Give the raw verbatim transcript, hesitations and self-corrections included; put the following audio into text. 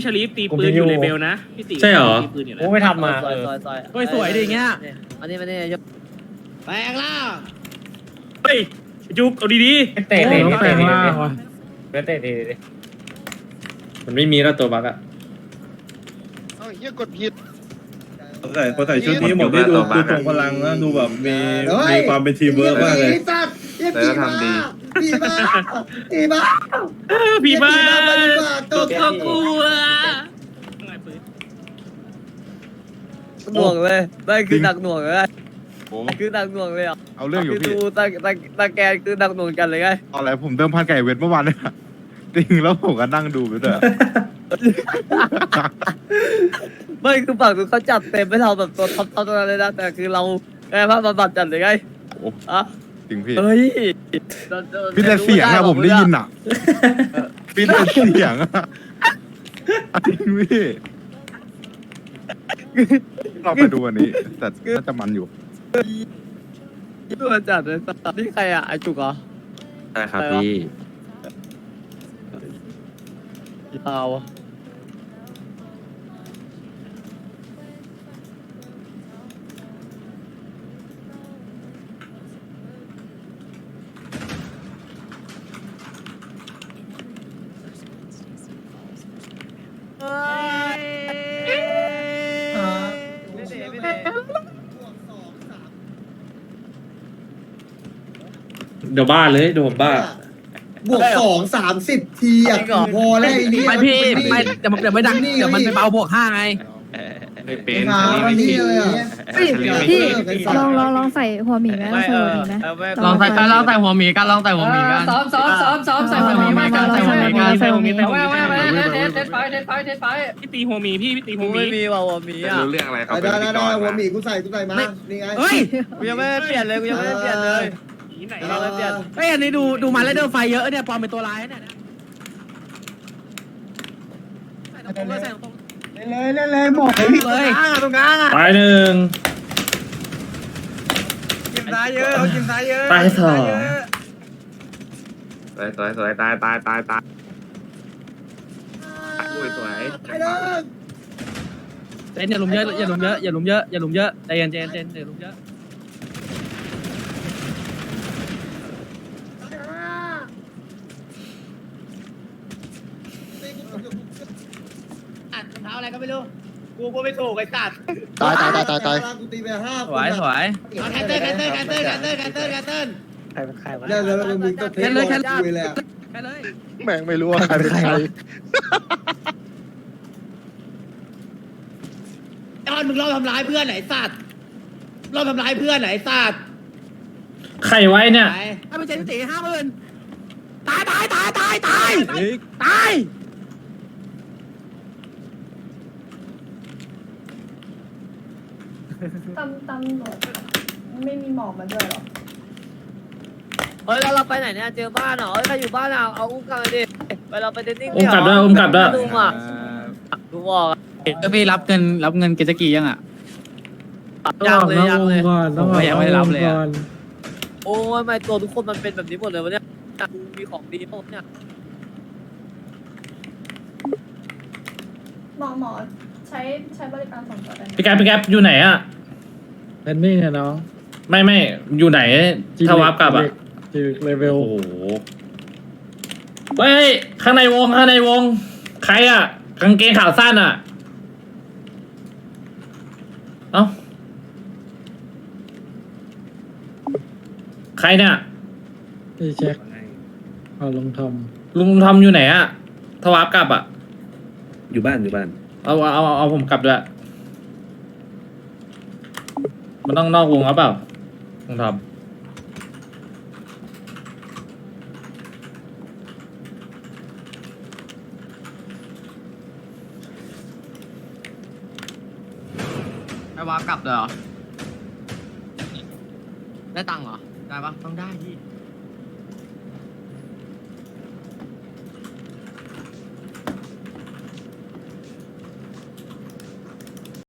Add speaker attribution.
Speaker 1: ชลีฟตีปืนอยู่เลเวลนะพี่ตีใช่เหรอ
Speaker 2: โอ้ไม่ทำมา
Speaker 3: ซอยซอยซอย
Speaker 1: เฮ้ยสวยดิเงี้ย
Speaker 3: อันนี้มันนี่ยกแปลงล่าง
Speaker 1: เฮ้ยจุกเอาดี
Speaker 2: เตะเตะ
Speaker 1: ๆ
Speaker 2: เตะ
Speaker 1: แปลง
Speaker 2: เตะ
Speaker 1: ล่าง
Speaker 2: เตะเตะเตะ
Speaker 1: มันไม่มีแล้วตัวบักอะ
Speaker 4: เอ้าเฮียกดผิด
Speaker 5: ใส่พอใส่ชุดนี้หมดที่ดูดูตรงพลังนะดูแบบมีมีความเป็นทีมเวิร์กมากเลย
Speaker 4: แต่ก็ทำดี
Speaker 6: พี่บ้าพี่บ้า
Speaker 1: พี่บ้า
Speaker 6: ตัว
Speaker 1: ก็กลัว
Speaker 3: หน่วงเลยได้คือหนักหน่วงเลย
Speaker 4: โอ้
Speaker 3: คือหนักหน่วงเลยอ่ะ
Speaker 4: เอาเรื่องอยู่
Speaker 3: คือ
Speaker 4: พี่
Speaker 3: ดูตาตาตาแกนคือหนักหน่วงกันเลยไง
Speaker 4: เอาอะไรผมเดิมพันไก่เวทเมื่อวานเนี่ยจริงแล้วผมก็นั่งดูไปด้วย
Speaker 3: ไม่คือฝั่งนู้นเขาจัดเต็มไม่เราแบบตัวท็อปท็อปตัวนั้นเลยนะแต่คือเราแค่ภาพบำบัดจัดเลยไง
Speaker 4: โอ้
Speaker 3: อ่ะ
Speaker 4: จริงพี่
Speaker 3: เฮ้ย
Speaker 4: พี่แต่เสียงอะผมได้ยินอะพี่แต่เสียงอะจริงพี่เราไปดูอันนี้ แต่น่าจะมันอยู่
Speaker 3: ตัวจัดเลยนี่ใครอ่ะไอจุกเหรอ
Speaker 1: ใช่ครับพี่
Speaker 3: ยาว
Speaker 1: เดี๋ยวบ้าเลยเดี๋ยวผมบ้า
Speaker 6: บวกสองสามสิบทีอ่ะพอแล้วไอ้นี่
Speaker 7: ไม่พี่ไม่เดี๋ยวเดี๋ยวไม่ดังเดี๋ยวมันไปเบาบวกห้าไง
Speaker 4: ไม่เป็น
Speaker 6: มาวันนี้เลยอ่ะ
Speaker 8: พี่ลองลองลองใส่หัวหมีไหมลองใส่หัวหมีไหม
Speaker 7: ลองใส่กันลองใส่หัวหมีกันลองใส่หัวหมีกัน
Speaker 8: ซ้อมซ้อมซ้อมซ้อมใส่หัวหมีมา
Speaker 7: ใส่หัวหมีกันใส่หัวหมีกัน
Speaker 8: ไม่ไม่ไม่เทสเทสไฟเทสไฟเทสไฟ
Speaker 1: พี่ตีหัวหมีพี่พี่ตีหั
Speaker 3: กู
Speaker 1: วหมี
Speaker 3: ไม่มีว่ะหัวหมีอ่ะ
Speaker 4: รู้เรื่องอะไรเขา
Speaker 6: ได้
Speaker 4: เป็น
Speaker 6: ได้
Speaker 4: พิธีก
Speaker 6: ได้
Speaker 4: ร
Speaker 6: หัวหมี
Speaker 4: มา
Speaker 6: กูใส่กูใส่มานี่ไง
Speaker 7: เฮ้ย
Speaker 3: กูยังไม่ได้เปลี่ยนเลยกูยังไม่ได้เปลี่ยนเลย
Speaker 1: ไหน
Speaker 3: กูยังไม่ได้เปลี่ยน
Speaker 7: เฮ้ยอันนี้ดูดูมาแล้วเดินไฟเยอะเนี่ยปลอมเป็นตัวร้ายเนี่ยใส่ตรงเลยใส่ตรง
Speaker 6: เลยเลยเลยหมด
Speaker 7: เลย
Speaker 3: ตรงกลางอ่ะ
Speaker 1: ตายหนึ่ง
Speaker 3: กินซ้ายเยอะเขากินซ้ายเยอะ
Speaker 1: ตายสอง
Speaker 4: สวยสวยสวยตายตายตายตายสวยสวย
Speaker 6: ไอ้เด้อ
Speaker 7: เจนอย่าลุมเยอะอย่าลุมเยอะอย่าลุมเยอะอย่าลุมเยอะใจเย็นเจนเจนอย่าลุมเยอะ
Speaker 3: เท้าอะไรก็ไม่รู้กูก็ไม่ถูกไอ้สัตว์
Speaker 6: ตายตายตายตายตายกูตีไปห้า
Speaker 7: สวยสวย
Speaker 3: แคนเซิลแคนเซิลแคนเซิลแคนเซิลแคนเซิลแคนเซิล
Speaker 2: ใครเป็นใครวะ
Speaker 6: เดี๋ยวเดี๋ยวมึงก็เทสเลยคุยเลย
Speaker 7: แค่เลย
Speaker 4: แม่งไม่รู้ว่าใครเป็นใคร
Speaker 3: ไอ้ออนมึงรอบทำร้ายเพื่อนไหนสัตว์รอบทำร้ายเพื่อนไหนสัตว์
Speaker 1: ไข่ไว้เนี่ย
Speaker 3: ไหน
Speaker 7: ถ้าเป็นเจนตีห้าหมื่นตายตายตายตายตายตาย
Speaker 8: ตำตำรวจไม่มีหมอกมาด้วยหรอ
Speaker 3: เฮ้ยแล้วเราไปไหนเนี่ยเจอบ้านเหรอเฮ้ยใครอยู่บ้านอ่ะเอาอุ้มกลับมาดิไปเราไปเดนนิ่ง
Speaker 1: อุ้มกลับด้วยอุ้มกลับด้วย
Speaker 3: ดูอ่ะดูบอกอ่ะ
Speaker 7: ก็พี่รับเงินรับเงินเกจกียังอ่ะ
Speaker 3: ยังเลยยังเลย
Speaker 7: ผมก็ยังไม่ได้รับเลยอะ
Speaker 3: โอ้ยไม่ตัวทุกคนมันเป็นแบบนี้หมดเลยวะเนี่ยกูมีของดีหมดเนี่ย
Speaker 8: หมอหมอใช้ใช้บริการส่งต่อได้ไหม
Speaker 1: พี่แก๊ปพี่แก๊ปอยู่ไหนอะ
Speaker 2: แพนนิ่งอะน้อง
Speaker 1: ไม่ไม่อยู่ไหนถ้าวับกลับอะ
Speaker 2: จืดเลเวล
Speaker 1: โอ้โหเฮ้ยข้างในวงข้างในวง ใครอะกางเกงขาสั้นอะเอ้าใครเนี่ย
Speaker 2: ไอ้แจ็คเอาลงทอม
Speaker 1: ลุงทอมอยู่ไหนอะถ้าวับกลับอะ
Speaker 5: อยู่บ้านอยู่บ้าน
Speaker 1: เอาเอาเอาเอาผมกลับด้วยมันต้องนอกวงหรือเปล่าลุงทอม
Speaker 7: ไม่ว่ากลับเลยเหรอได้ตังค์เหรอได้ปะต้องได้พี่